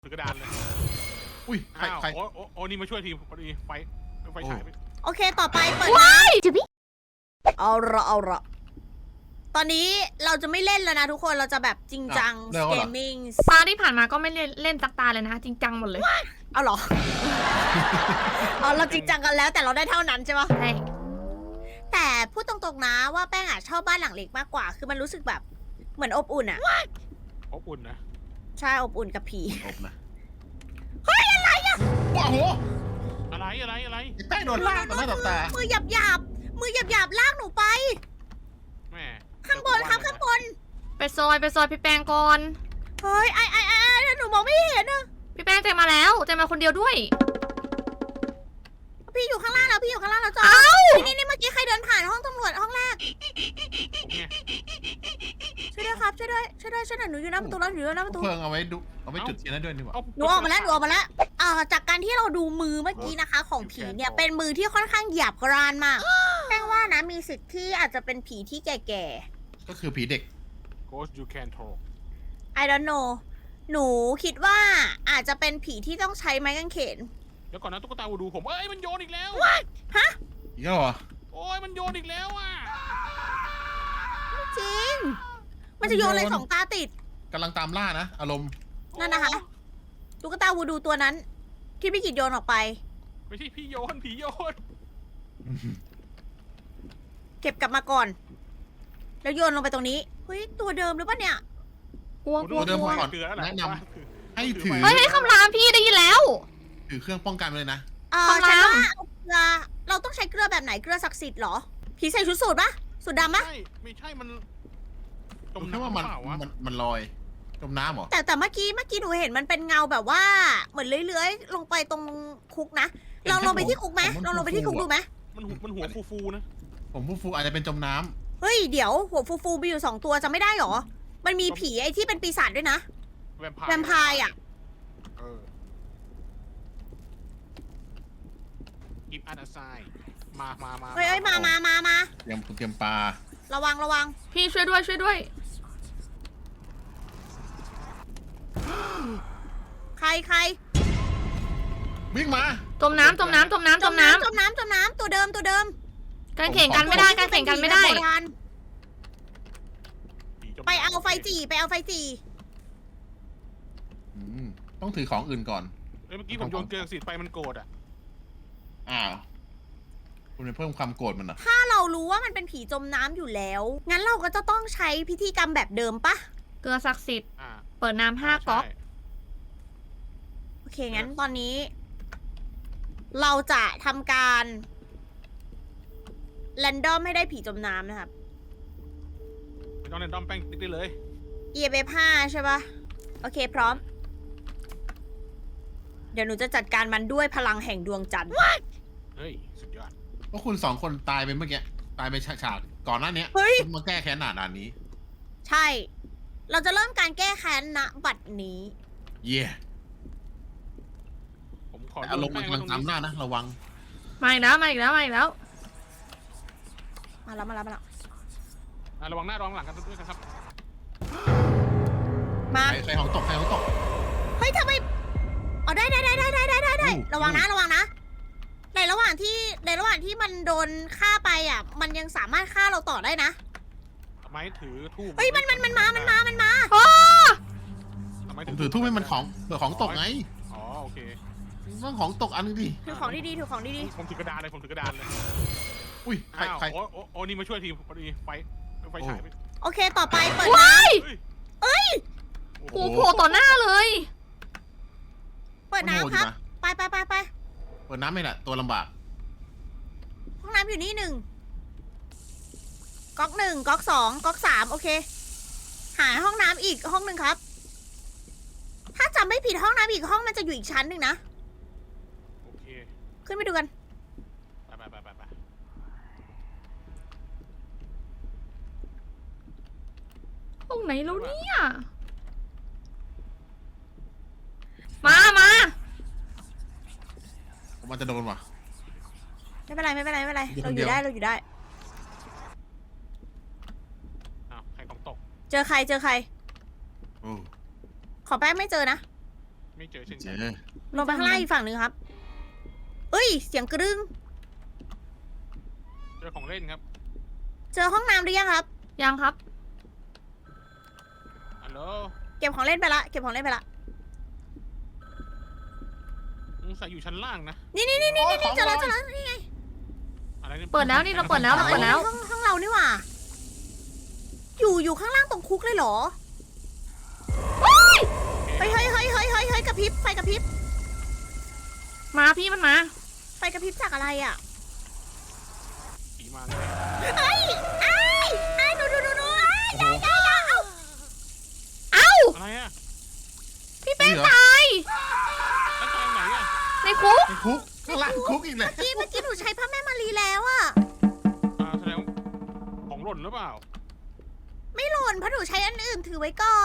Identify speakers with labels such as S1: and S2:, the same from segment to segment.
S1: ถือกระดานเลย
S2: อุ้ยใคร
S1: อ้าว
S2: ใคร
S1: โอ้นี่มาช่วยทีมพอดีไฟฉายไป
S3: โอเคต่อไปเปิดนะเอาละตอนนี้เราจะไม่เล่นแล้วนะทุกคนเราจะแบบจริงจังเกมมิ่ง
S4: ตาที่ผ่านมาก็ไม่เล่นสักตาเลยนะจริงจังหมดเลย
S3: เอาเหรอ เอาเราจริงจังกันแล้วแต่เราได้เท่านั้นใช่ปะ
S4: ใช่
S3: แต่พูดตรงๆนะว่าแป้งชอบบ้านหลังเล็กมากกว่า คือมันรู้สึกแบบเหมือนอบอุ่นอะ
S1: อบอุ่นนะ
S3: ใช่อบอุ่นกับผี
S2: อบนะเฮ้ยอะไรอ่ะว้าวโห
S1: อะไร
S2: ไอ้แป้งโดนลากต่อหน้าต่อตา
S3: มือหยาบมือหยาบลากหนูไป
S1: แม่
S3: ข้างบนครับข้างบน
S4: ไปซอยพี่แป้งก่อน
S3: เฮ้ยไอ้หนูมองไม่เห็นอะ
S4: พี่แป้งเจมาแล้วเจมาคนเดียวด้วย
S3: พี่อยู่ข้างล่างแล้วพี่อยู่ข้างล่างแล้วจ้านี่เมื่อกี้ใครเดินผ่านห้องตำรวจห้องแรก
S1: เนี่ย
S3: ช่วยด้วยครับช่วยด้วยหนูอยู่หน้าประตูแล้วหนูอยู่หน้าประตู
S2: เพิ่งเอาไว้ดูเอาไว้จุดเทียนนั้นด้วยนี่หว่า
S3: หนูออกมาแล้วจากการที่เราดูมือเมื่อกี้นะคะ ของผีเนี่ยเป็นมือที่ค่อนข้างหยาบกร้านมากแป้งว่านะมีสิทธิ์ที่อาจจะเป็นผีที่แก่
S2: ก็คือผีเด็ก
S1: Ghost you can talk
S3: ๆ I don't know หนูคิดว่าอาจจะเป็นผีที่ต้องใช้ไม้กางเขน
S1: เดี๋ยวก่อนนะตุ๊กตาวูดูผมมันโยนอีกแล้ว
S2: อีกแล้วเหรอ
S1: โอ้ยมันโยนอีกแล้วอ่ะ
S3: จริง มันจะโยนเลยสองตาติด
S2: กำลังตามล่านะอารมณ์
S3: นั่นนะคะตุ๊กตาวูดูตัวนั้น ที่พี่กิจโยนออกไป
S1: ไม่ใช่พี่โยนผีโยน
S3: เก็บกลับมาก่อน แล้วโยนลงไปตรงนี้เฮ้ยตัวเดิมหรือเปล่าเนี่ย
S4: กลัว
S2: ตัวเดิมผมก่อน
S1: เกลือแล้ว
S2: แนะนำให้ถือ
S4: เฮ้ยคำรามพี่ได้ยินแล้ว
S2: ถือเครื่องป้องกันไปเลยนะ
S3: ฉัน
S4: คำราม
S3: ว่าเอาเกลือเราต้องใช้เกลือแบบไหนเกลือศักดิ์สิทธิ์เหรอผีใส่ชุดสูทปะสูทดำปะ
S1: ไม่ใช่มันจม
S2: ผมคิดว่า
S1: น้ำเปล่าวะ
S2: มันลอยจมน้ำเหรอ
S3: แต่เมื่อกี้หนูเห็นมันเป็นเงาแบบว่าเหมือนเลื้อยๆลงไปตรงคุกนะลองลงไปที่คุกไหมลองลงไปที่คุกดูไหม
S1: มันหัวฟูๆนะ
S2: ผมฟูอาจจะเป็นจมน้
S3: เฮ้ยเดี๋ยวหัวฟูๆมีอยู่2ตัวจะไม่ได้เหรอมันมีผีไอ้ที่เป็นปีศาจด้วยนะ
S1: แวมไพ
S3: แวมไพร์อ่ะ
S1: กิฟต์อันไซมา
S3: เฮ้ยมา
S2: ำเตรียมปลา
S3: ระวัง
S4: พี่ช่วยด้วย
S3: ใคร
S2: วิ่งมา
S4: จมน้ำ
S3: จมน้ำตัวเดิม
S4: การแข่งกันไม่ได้การแข่งกันไม่ได้
S3: ผีแบบโบราณไปเอาไฟจี่
S2: ต้องถือของอื่นก่อน
S1: เมื่อกี้ผมโยนเกลือสีไปมันโกรธอ่ะ
S2: อ้าวคุณไปเพิ่มความโกรธมันเหรอ
S3: ถ้าเรารู้ว่ามันเป็นผีจมน้ำอยู่แล้ว งั้นเราก็จะต้องใช้พิธีกรรมแบบเดิมปะ
S4: เกลือศักดิ์สิทธิ์
S1: อ่า
S4: เปิดน้ำ5ก๊อก
S1: ใช่
S3: โอเค งั้นตอนนี้ เราจะทำการแรนดอมให้ได้ผีจมน้ำนะครับ
S1: ไม่ต้องเล่นด้อมแป้งติ๊กได้เลย
S3: EMF 5ใช่ปะโอเคพร้อม เดี๋ยวหนูจะจัดการมันด้วยพลังแห่งดวงจันทร์
S1: เฮ้ยสุดยอด
S2: เพราะคุณ2 คนตายไปเมื่อกี้ตายไปฉากๆก่อนหน้านี้
S3: เฮ้ย
S2: คุณมาแก้แค้นด่านนี้
S3: ใช่ เราจะเริ่มการแก้แค้นณบัดนี้
S2: เย่
S1: ผมขอ
S2: แต่อารมณ์มันกำลังตามล่านะระวัง
S4: มาอีกแล้ว
S3: มาแล้ว
S1: ระวังหน้าระวังหลังกันด้วยนะครับ
S3: มา
S2: ใครของตก
S3: เฮ้ยทำไมเอาได้
S2: อู้
S3: ระวังนะ ในระหว่างที่มันโดนฆ่าไปอ่ะ มันยังสามารถฆ่าเราต่อได้นะ
S1: ไม้ถือทูบ
S3: เฮ้ยมันมา
S1: ทำไม
S2: ผมถือทุ่มให้มันของเผื่อของตกไง
S1: อ๋อโอเค
S2: ต้องของตกอันนึงดิ
S3: ถือของดีๆ
S1: ผมถือกระดานเลย
S2: อุ้ยใคร
S1: อ้าว
S2: ใคร
S1: โอ้นี่มาช่วยทีมพอดีไฟฉายไป
S3: โอเค ต่อไปเปิดน้
S1: โอ้
S4: โอ้โหโผล่ต่อหน้าเลย
S3: ำเปิดน้ำครับ ไป
S2: เปิดน้ำไม่แหละตัวลำบาก
S3: ห้องน้ำอยู่นี่ก๊อก1ก๊อก2ก๊อก3โอเค หาห้องน้ำอีกห้องหนึ่งครับ ถ้าจำไม่ผิดห้องน้ำอีกห้องมันจะอยู่อีกชั้นหนึ่งนะ
S1: โอเค
S3: ขึ้นไปดูกัน
S1: ไป
S4: ตรงไหนแล้วเนี่ยมา
S2: มันจะโดนว่ะ
S3: ไม่เป็นไร
S2: อยู่ค
S3: เรา
S2: น
S3: อ
S2: เดียว
S3: ยู่ได้
S1: อ้าวใครของตก
S3: เจอใคร
S2: โอ้
S3: ขอแป้งไม่เจอนะ
S1: ไม่เจอเช่น
S2: เจ
S1: กัน
S2: อ
S3: ลงไปข้างล่างอีกฝั่งหนึ่งครับเอ้ย เสียงกระดึง
S1: เจอของเล่นครับ
S3: เจอห้องน้ำหรือยังครับ
S4: ยังครับ
S1: ฮัลโหล
S3: เก็บของเล่นไปละ เก็บของเล่นไปละ
S1: ใส่อยู่ชั้นล่างนะ
S3: นี่เจอแล้วนี่ไง
S1: อะไรนี่
S4: เปิดแล้วนี่เราเปิดแล้วเราเปิดแล้ว
S3: ห้องเรานี่หว่า อยู่ข้างล่างตรงคุกเลยเหรอ เฮ้ยกระพริบ ไฟกระพริบ
S4: มาพี่มันมา
S3: ไฟกระพริบจากอะไรอ่ะ
S1: ผีมาเลย
S3: เฮ้ยไอ้ดู
S2: โอ้โห
S1: อะไรอ่ะ
S4: พี่แป้ง
S2: นี่เหรอ
S4: ตาย
S1: แล้วตายไหนอ่ะ
S4: ในคุก
S2: ในคุกข้างล่างคุกอีกเลย
S3: เมื่อกี้หนูใช้ผ้าแม่มารีแล้วอ่ะ
S1: แสดงว่าของหล่นหรือเปล่า
S3: ไม่หล่นเพราะหนูใช้อันอื่นถือไว้ก่อน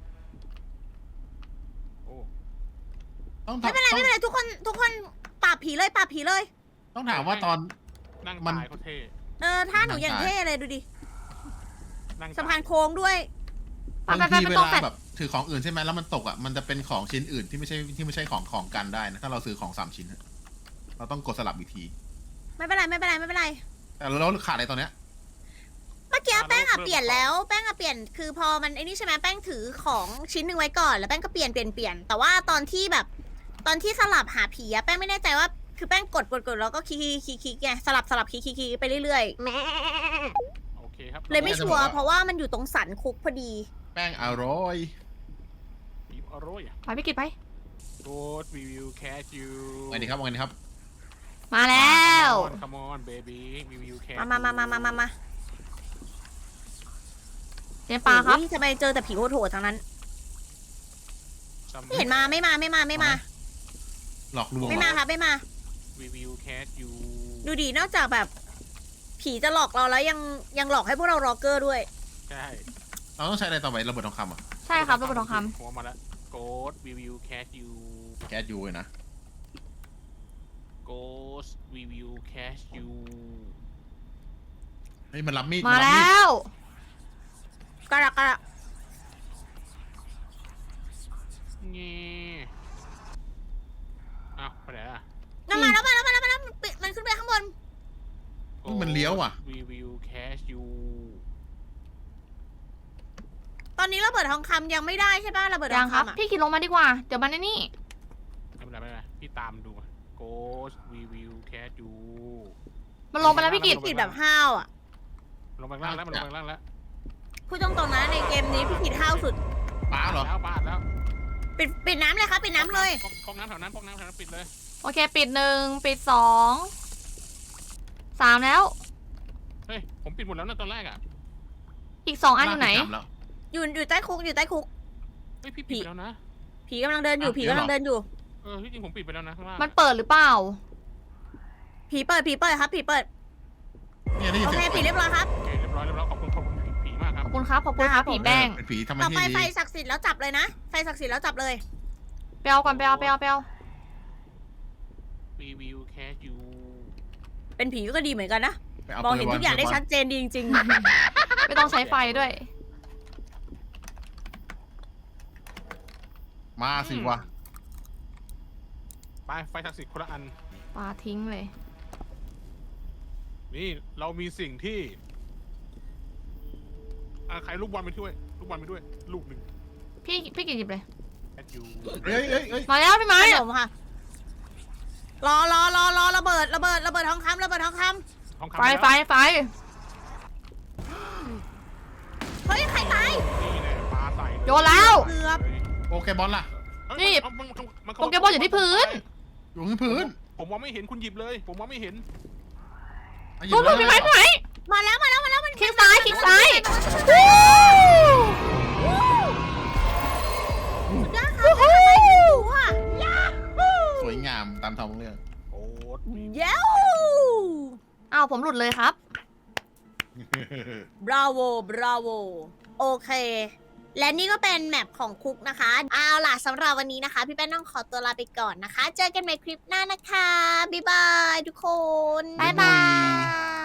S1: โอ้
S2: ต้อง
S3: ไม่เป็นไรทุกคนปราบผีเลย
S2: ต้องถามว่าตอน
S1: นั่ง
S2: มัน
S1: ตายเขาเท่
S3: ท่าหนูอย่างเท่เลยดูดิ
S1: นั่ง
S3: สะพานโค้งด้วย
S4: ไป
S2: บาง
S4: ไป
S2: ที
S4: ไป
S2: เว
S4: ตรง
S2: ลา
S4: แฟลต
S2: แบบถือของอื่นใช่ไหมแล้วมันตกอ่ะมันจะเป็นของชิ้นอื่นที่ไม่ใช่ของกันได้นะถ้าเราซื้อของ3 ชิ้นอะเราต้องกดสลับอีกที
S3: ไม่เป็นไร
S2: แต่เราขาดอะไรตอนเนี้ย
S3: เมื่อกี้แป้งเปลี่ยนแล้วแป้งเปลี่ยนคือพอมันไอ้นี่ใช่ไหมแป้งถือของชิ้นหนึ่งไว้ก่อนแล้วแป้งก็เปลี่ยนแต่ว่าตอนที่สลับหาผีอะแป้งไม่แน่ใจว่าคือแป้งกดแล้วก็คลิกไงสลับคลิกไปเรื่อย
S1: โอเคครับ
S3: ๆเลยไม่ชัวร์เพราะว่ามันอยู่ตรงสันคุกพอดี
S2: แป้งอร่อย
S1: ผีอร่อยอ่ะ
S4: ไปพี่กิตไป
S1: Good we will catch you
S2: ไงดีครับไงดีครับ
S4: มาแล้ว
S1: Come on baby we will catch
S3: มา
S4: เจปลาครับ
S3: อุ๊ยทำไมเจอแต่ผีโหดๆทั้งนั้น ไม่เห็นมาไม่มา
S2: หลอกลวง
S3: ไม่มาครับไม่มา
S1: We will catch you
S3: ดูดินอกจากแบบ ผีจะหลอกเราแล้วยังหลอกให้พวกเราร็อกเกอร์ด้วย
S1: ใช่
S2: เราต้องใช้อะไรต่อไประเบิดทองคำอ่ะ
S4: ใช่ครับระเบิดทองค
S1: หัวมาแล้ว Good we will catch you
S2: แก๊สยูเลยนะ
S1: Ghost we will catch you
S2: เฮ้ยมันรับมีด
S4: ำมาแล้
S2: ว
S4: ว
S3: กระ
S1: เงี้อ้าวไปไหนอ่ะ
S3: นั่นมาแล้วมันขึ้นไปข้างบน
S2: มันเลี้ยวอ่ะ
S1: We will catch you
S3: ตอนนี้ระเบิดทองคำยังไม่ได้ใช่ป่ะระเบิดท
S4: ยั
S3: อง ง
S4: ครับ
S3: คำอะ
S4: พี่กิตลงมาดีกว่า เดี๋ยวมันไอ้นี่
S1: ไม่เป็นไรพี่ตามดู Ghost we will catch you
S4: มันลงไปแล้วพี่กิต
S3: ผิดแบบห้าวอ่ะ
S1: ลงไปข้างล่างแล้วมันลงไปข้างล่างแล้ว
S3: พูดตรงๆนะในเกมนี้พี่ผิดห้าวสุด
S2: ป้าเหรอ
S1: แล้วบ้านแล้ว
S3: ปิดน้ำเลยครับปิดน้ำเลย
S1: ก๊อกน้ำแถวนั้นก๊อกน้ำแถวนั้นปิดเลย
S4: โอเค ปิด1 ปิด2 3แล้ว
S1: เฮ้ยผมปิดหมดแล้วนะตอนแรกอ่ะ
S4: อีก2 อันอยู่ไหน
S2: จำแล้ว
S3: อยู่ใต้คุก
S1: เฮ้ยพี่ปิดไปแล้วนะ
S3: ผีกำลังเดินอยู่
S2: อ่ะเดี๋ยวเหรอ
S1: ที่จริงผมปิดไปแล้วนะข้างล่าง
S4: มันเปิดหรือเปล่า
S3: ผีเปิดครับผีเปิด
S2: เนี่ยได้ยิน
S3: โอ
S2: เสี
S3: เค
S2: ยง
S3: ปิดเรียบร้อยครับ
S1: โอเคเรียบร้อยขอบคุณผีมากค
S4: ข
S1: รับ
S4: อบคุณครับผีแป้ง
S2: เป็นผีทำห
S3: ต่
S2: น้า
S3: อ
S2: ที่
S3: ไป
S2: ดี
S3: ไฟศักดิ์สิทธิ์แล้วจับเลยนะไฟศักดิ์สิทธิ์แล้วจับเลย
S4: ไปเอาก่อนไปเอา
S1: We will catch you
S3: เป็นผีก็ดีเหมือนกันนะ
S2: ไปเอา
S3: มองเห็น
S2: โป
S3: ทุกอย่างได้
S2: โปเกมน
S3: ชัดเจนดีจริง
S4: ไม่ต้องใช้ไฟด้วย
S2: มาสิวะ
S1: ไปไฟศักดิ์สิทธิ์คนละอัน
S4: ปาทิ้งเลย
S1: นี่เรามีสิ่งที่ใครลูกบอลไปด้วยลูกบอลไปด้วย ลูกหนึ่ง
S4: พี่กิตหยิบเลย
S1: catch you
S2: เฮ้ย
S4: มาแล้วพี่
S3: ๆ
S4: ไม้
S3: ขนมค่ะรอระเบิดทองคำ
S1: ทองคำ
S4: ไฟ
S3: เฮ้ยใครตาย
S1: นี่แหละปลาใส่
S4: โยนแล้ว
S3: เกือบ
S2: โปเกมอนล่ะ
S4: นี่
S1: มัน
S4: โปเกมอนอยู่ที่พื้น
S2: อยู่ที่พื้น
S1: ผมมองไม่เห็นคุณหยิบเลย ผมมองไม่เห็น
S2: อ่ะหยิบ
S4: ปุ๊บ
S2: เลย
S4: พี่ไม้
S3: มาแล้วมัน
S4: คลิกซ้าย
S3: สุดยอดค่ะทำไมถึงรู้อ่ะ
S2: สวยงามตามท้องเรื่อง
S1: โอ้ย
S3: เย้ว
S4: อ้าวผมหลุดเลยครับ
S3: บราโวโอเค และนี่ก็เป็นแมปของคุกนะคะเอาล่ะสำหรับวันนี้นะคะ พี่แป้นต้องขอตัวลาไปก่อนนะคะ เจอกันใหม่คลิปหน้านะคะบ๊ายบายทุกคน
S4: บ๊ายบาย